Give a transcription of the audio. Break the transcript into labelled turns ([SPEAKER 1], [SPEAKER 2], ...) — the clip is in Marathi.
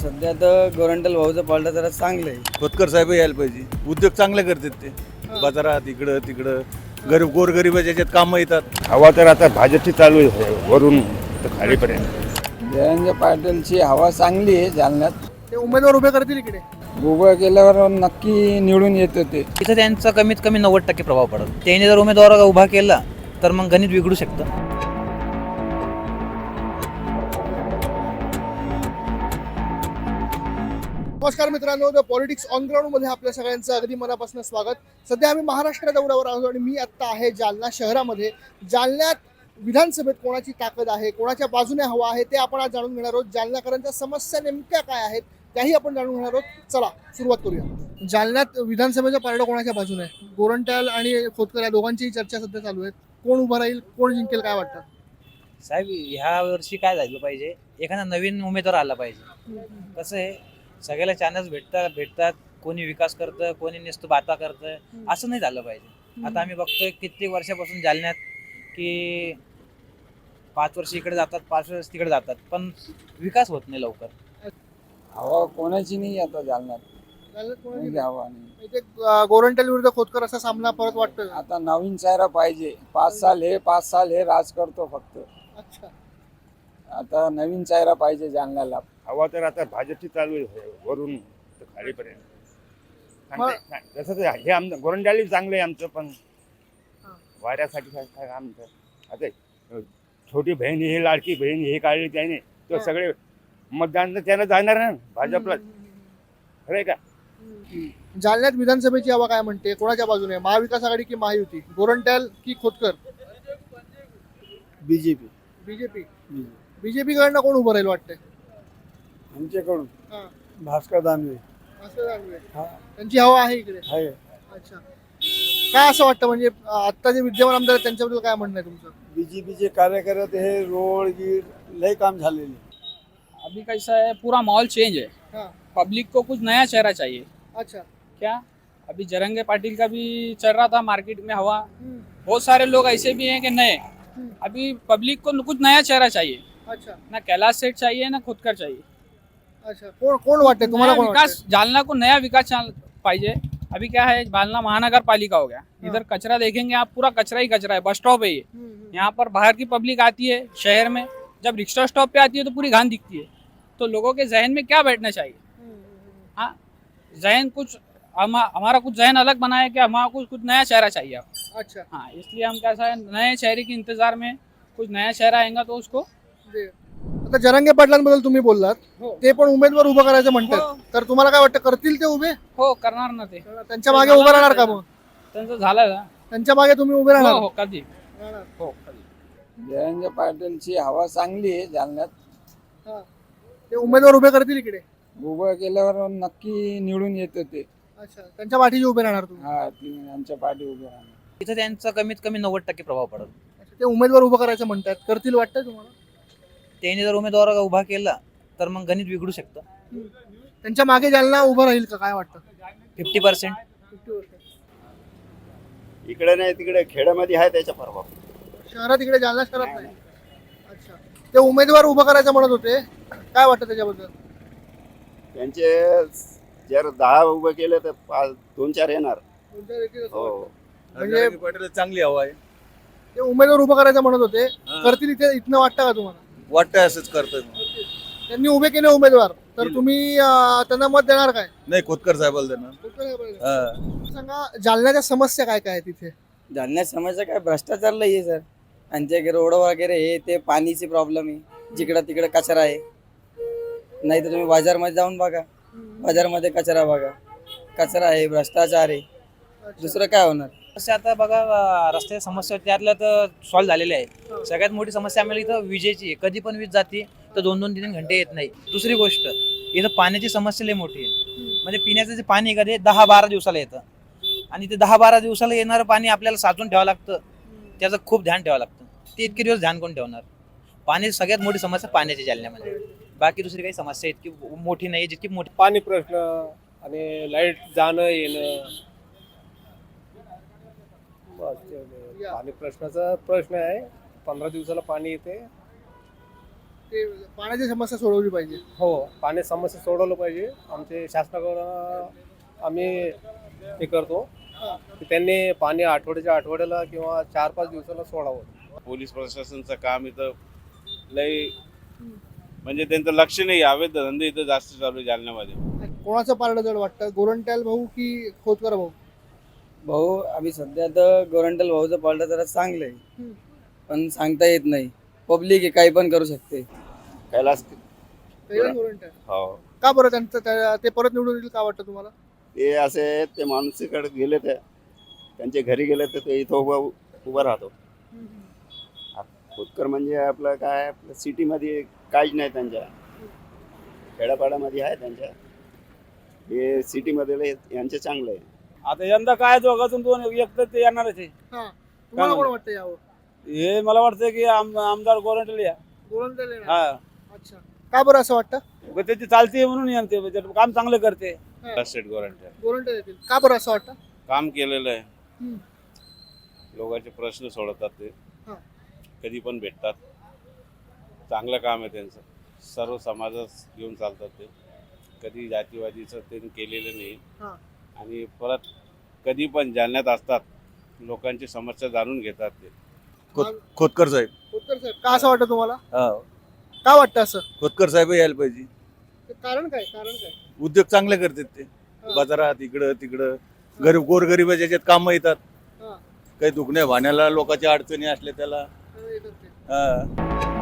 [SPEAKER 1] सध्या तर गोरंट्याल भाऊचं पालटा जरा चांगलं आहे.
[SPEAKER 2] खोतकर साहेब यायला पाहिजे. उद्योग चांगले करतात ते. बाजारात इकडं तिकडं गरीब गोरगरिबाच्या याच्यात कामं येतात.
[SPEAKER 3] हवा तर आता भाजपची चालू आहे वरून तर खालीपर्यंत.
[SPEAKER 1] जयंत पाटीलची हवा चांगली आहे जालन्यात.
[SPEAKER 4] ते उमेदवार उभे करतील इकडे.
[SPEAKER 1] उभं केल्यावर नक्की निवडून येतं ते.
[SPEAKER 5] इथं त्यांचा कमीत कमी 90% प्रभाव पडतो. त्याने जर उमेदवार उभा केला तर मग गणित बिघडू शकतं.
[SPEAKER 4] नमस्कार मित्रांनो, द पॉलिटिक्स ऑन ग्राउंड मध्ये आपल्या सगळ्यांचं अगदी मनापासून स्वागत. सध्या आम्ही महाराष्ट्र दौऱ्यावर आहोत आणि मी आत्ता आहे जालना शहरामध्ये. जालन्यात विधानसभेत कोणाची ताकद आहे, कोणाच्या बाजूने हवा आहे ते आपण आज जाणून घेणार आहोत. जालनाकरांच्या समस्या नेमक्या काय आहेत त्याही आपण जाणून घेणार आहोत. चला सुरुवात करूया. जालन्यात विधानसभेचं पारडं कोणाच्या बाजूने आहे? गोरंट्याल आणि खोतकर या दोघांचीही चर्चा सध्या चालू आहे. कोण उभं राहील, कोण जिंकेल, काय वाटतं?
[SPEAKER 5] साहेब, ह्या वर्षी काय झालं पाहिजे, एखादा नवीन उमेदवार आला पाहिजे. कसं आहे, सगळ्याला चान्स भेटतात. कोणी विकास करतं, कोणी नुसतं बाता करतं. असं नाही झालं पाहिजे. आता आम्ही बघतोय कित्येक वर्षापासून जालन्यात की 5 वर्ष इकडे जातात, 5 वर्ष तिकडे जातात, पण विकास होत नाही लवकर.
[SPEAKER 1] हवा कोणाची नाही आता जालन्यात.
[SPEAKER 4] जालन्यात कोणाची
[SPEAKER 1] कोणाची हवा नाही.
[SPEAKER 4] इथे गोरंट्याल विरुद्ध खोतकर असा सामना परत वाटतोय.
[SPEAKER 1] आता नवीन चेहरा पाहिजे. 5 साल हे राज करतो फक्त.
[SPEAKER 4] अच्छा,
[SPEAKER 1] आता नवीन चेहरा पाहिजे जालन्याला.
[SPEAKER 3] हवा तर आता भाजपची चालू आहे वरून तर खालीपर्यंत. तसं तर हे आमचं गोरंट्याली चांगलं आहे आमचं, पण वाऱ्यासाठी काय आमचं आता छोटी बहीण ही लाडकी बहीण हे काढली त्याने, तर सगळे मतदान तर त्यानं जाणार ना भाजपला. खरं आहे का?
[SPEAKER 4] जालन्यात विधानसभेची हवा काय म्हणते, कोणाच्या बाजूने आहे? महाविकास आघाडी की महायुती? गोरंट्याल की खोतकर?
[SPEAKER 1] बीजेपी.
[SPEAKER 4] बीजेपी कडनं कोण उभं राहील वाटतंय?
[SPEAKER 1] आमच्याकडून
[SPEAKER 4] हा.
[SPEAKER 1] भास्कर दानवे
[SPEAKER 4] असं जाणूया. त्यांची हवा आहे इकडे.
[SPEAKER 1] आहे.
[SPEAKER 4] अच्छा, काय असं वाटतं, म्हणजे आता जे विद्यमान आमदार आहेत त्यांच्याबद्दल काय म्हणणं आहे तुमचं?
[SPEAKER 1] बीजेपीचे कार्यकर्ते हे रोड गीर लय काम झालेले.
[SPEAKER 6] अभी कैसा है, पूरा माहौल चेंज है.
[SPEAKER 4] हाँ.
[SPEAKER 6] पब्लिक को कुछ नया चेहरा चाहिए.
[SPEAKER 4] अच्छा.
[SPEAKER 6] क्या अभी जरंगे पाटिल का भी चल रहा था मार्केट में हवा. बहुत सारे लोग ऐसे भी हैं कि नए. अभी पब्लिक को कुछ नया चेहरा चाहिए.
[SPEAKER 4] अच्छा.
[SPEAKER 6] ना कैलाश सेठ चाहिए ना खुदकर चाहिए.
[SPEAKER 4] अच्छा, कोण वाटते तुम्हाला?
[SPEAKER 6] नया
[SPEAKER 4] कोण
[SPEAKER 6] विकास, जालना को नया विकास पाइए. अभी क्या है, जालना महानगर पालिका हो गया. इधर कचरा देखेंगे आप, पूरा कचरा ही कचरा है. बस स्टॉप है ये. यहाँ पर बाहर की पब्लिक आती है शहर में, जब रिक्शा स्टॉप पे आती है तो पूरी घान दिखती है. तो लोगों के जहन में क्या बैठना चाहिए? हाँ, जहन कुछ हमारा कुछ जहन अलग बना है कि हमारा कुछ नया चेहरा चाहिए आपको.
[SPEAKER 4] अच्छा.
[SPEAKER 6] हाँ, इसलिए हम कैसा है, नए चेहरे के इंतजार में. कुछ नया चेहरा आएगा तो उसको.
[SPEAKER 4] आता जरंगे पाटलांबद्दल तुम्ही बोललात,
[SPEAKER 6] हो.
[SPEAKER 4] ते पण उमेदवार उभं करायचं
[SPEAKER 6] हो.
[SPEAKER 4] म्हणतात, तर तुम्हाला काय वाटतं, करतील ते उभे?
[SPEAKER 6] हो, करणार ना ते.
[SPEAKER 4] त्यांच्या मागे उभं राहणार का? मग
[SPEAKER 6] त्यांचं झालं ना.
[SPEAKER 4] त्यांच्या मागे तुम्ही उभे
[SPEAKER 6] हो
[SPEAKER 4] राहणार?
[SPEAKER 6] हो, कधी.
[SPEAKER 4] राहणार.
[SPEAKER 6] हो, कधी.
[SPEAKER 1] जयंत पाटीलची हवा चांगली आहे जालन्यात.
[SPEAKER 4] हा. ते उमेदवार उभे करतील इकडे.
[SPEAKER 1] उभं केल्यावर नक्की निवडून येतं ते.
[SPEAKER 4] अच्छा, त्यांच्या पाठीशी उभे राहणार तुम्ही?
[SPEAKER 1] हा, आमच्या पाठी उभे राहणार.
[SPEAKER 5] इथं त्यांचा कमीत कमी 90% प्रभाव पडतो.
[SPEAKER 4] अच्छा, ते उमेदवार उभं करायचं म्हणतात, करतील वाटतंय तुम्हाला?
[SPEAKER 5] त्याने जर उमेदवार उभा केला तर मग गणित बिघडू शकतं.
[SPEAKER 4] त्यांच्या मागे जालना उभं राहील का, काय वाटतं?
[SPEAKER 5] 50%.
[SPEAKER 4] 50%.
[SPEAKER 3] इकडे नाही तिकडे खेड्यामध्ये आहे त्याचा प्रभाव.
[SPEAKER 4] शहरात इकडे, जालना शहरात नाही. अच्छा, ते उमेदवार उभं करायचं म्हणत होते, काय वाटतं त्याच्याबद्दल?
[SPEAKER 3] त्यांचे जर 10 उभं केलं तर 2-4 येणार. हो.
[SPEAKER 4] म्हणजे
[SPEAKER 2] जरांगे पाटील चांगली हवा आहे.
[SPEAKER 4] ते उमेदवार उभं करायचं म्हणत होते,
[SPEAKER 2] हा.
[SPEAKER 4] करतील इथनं वाटतं का तुम्हाला?
[SPEAKER 2] वाटतंय असंच करतोय.
[SPEAKER 4] त्यांनी उभे केले उमेदवार, तर
[SPEAKER 2] केले.
[SPEAKER 4] तुम्ही त्यांना मत देणार काय?
[SPEAKER 2] नाही, खोतकर साहेबाला देणार. हा.
[SPEAKER 4] सांगा, जालन्याच्या समस्या काय काय आहेत तिथे?
[SPEAKER 1] जालन्यात समस्या काय, भ्रष्टाचार लई आहे सर. आमच्या रोड वगैरे हे ते पाणीची प्रॉब्लेम आहे. जिकडं तिकडं कचरा आहे. नाही तर तुम्ही बाजारमध्ये जाऊन बघा, बाजारमध्ये कचरा बघा. कचरा आहे, भ्रष्टाचार आहे. दुसरं काय होणार?
[SPEAKER 5] समस्या आता बघा, रस्त्याच्या समस्या त्यातल्या तर सॉल्व्ह झालेल्या आहे. सगळ्यात मोठी समस्या आम्हाला इथं विजेची आहे. कधी पण वीज जाते तर 2-2-3 घंटे येत नाही. दुसरी गोष्ट, इथं पाण्याची समस्या लई मोठी आहे. म्हणजे पिण्याचं जे पाणी आहे का ते 10-12 दिवसाला येतं, आणि ते 10-12 दिवसाला येणारं पाणी आपल्याला साचून ठेवावं लागतं. त्याचं खूप ध्यान ठेवावं लागतं. ते इतके दिवस ध्यान कोण ठेवणार? पाणी सगळ्यात मोठी समस्या पाण्याची जालन्यामध्ये. बाकी दुसरी काही समस्या इतकी मोठी नाही, जितकी मोठी
[SPEAKER 7] पाणी प्रश्न आणि लाईट जाणं येणं, बस तेवढं. पाणी प्रश्नाचा प्रश्न आहे. 15 दिवसाला पाणी येते.
[SPEAKER 4] ते पाण्याची समस्या सोडवली पाहिजे.
[SPEAKER 7] हो, पाण्याची समस्या सोडवलं पाहिजे. आमचे शासनाकडं आम्ही हे करतो की त्यांनी पाणी आठवड्याला किंवा 4-5 दिवसाला सोडावं.
[SPEAKER 8] पोलीस प्रशासनचं काम इथं लय म्हणजे त्यांचं लक्ष नाही. अवैध धंदे इथं जास्त चालू आहे जालन्यामध्ये.
[SPEAKER 4] कोणाचं पारडं जड वाटतं, गोरंट्याल भाऊ की खोतकर भाऊ?
[SPEAKER 1] भाऊ आम्ही सध्या तर गोरंटल भाऊचं पालटं जरा चांगलं आहे,
[SPEAKER 4] हम्म.
[SPEAKER 1] पण सांगता येत नाही. पब्लिक आहे, काही पण करू शकते.
[SPEAKER 3] कैलास
[SPEAKER 4] पहिलं गोरंट्याल.
[SPEAKER 3] हो
[SPEAKER 4] का बरं ते परत निवडून येईल का वाटतं तुम्हाला?
[SPEAKER 3] ते असे ते माणसाकडे गेले ते त्यांच्या घरी गेले तर ते इथं उभा राहतो. खोतकर म्हणजे आपलं काय आपलं सिटीमध्ये काहीच नाही त्यांच्या, खेड्यापाड्यामध्ये आहे त्यांच्या. हे सिटीमध्ये यांचे चांगलं आहे.
[SPEAKER 9] आता यंदा काय दोघातून दोन एक तर ते येणारच आहे.
[SPEAKER 4] हा, तुम्हाला
[SPEAKER 9] काय
[SPEAKER 4] कोण वाटतं यावं?
[SPEAKER 9] हे मला वाटतं की आमदार गोरंटले या.
[SPEAKER 4] गोरंट्याल येणार?
[SPEAKER 9] हा,
[SPEAKER 4] अच्छा, का बरं असं वाटतं?
[SPEAKER 9] मग त्याची चालते म्हणून यांते म्हणजे काम चांगलं करते.
[SPEAKER 8] स्टेट गव्हर्नमेंट
[SPEAKER 4] गोरंट्याल येतील, का बरं असं वाटतं?
[SPEAKER 8] काम केलेलं आहे.
[SPEAKER 4] हम्म.
[SPEAKER 8] लोकांचे प्रश्न सोडवतात ते,
[SPEAKER 4] हा.
[SPEAKER 8] कधी पण भेटतात. चांगलं काम आहे त्यांचं. सर्व समाजास घेऊन चालतात ते. कधी जातीवादीचं त्यांनी केलेलं नाही.
[SPEAKER 4] हा.
[SPEAKER 8] आणि परत कधी पण जालन्यात असतात, लोकांची समस्या जाणून घेतात ते.
[SPEAKER 2] खोतकर साहेब.
[SPEAKER 4] खोतकर साहेब, का असं वाटतं तुम्हाला?
[SPEAKER 2] हा,
[SPEAKER 4] का वाटतं असं?
[SPEAKER 2] खोतकर साहेब यायला पाहिजे.
[SPEAKER 4] ते कारण काय?
[SPEAKER 2] उद्योग चांगले करतात ते. बाजारात इकडं तिकडं गोरगरिबाच्या याच्यात कामं येतात.
[SPEAKER 4] हा.
[SPEAKER 2] काही दुखण्या भाण्याला लोकांच्या अडचणी असल्या त्याला.
[SPEAKER 4] येतात ते.
[SPEAKER 2] हा.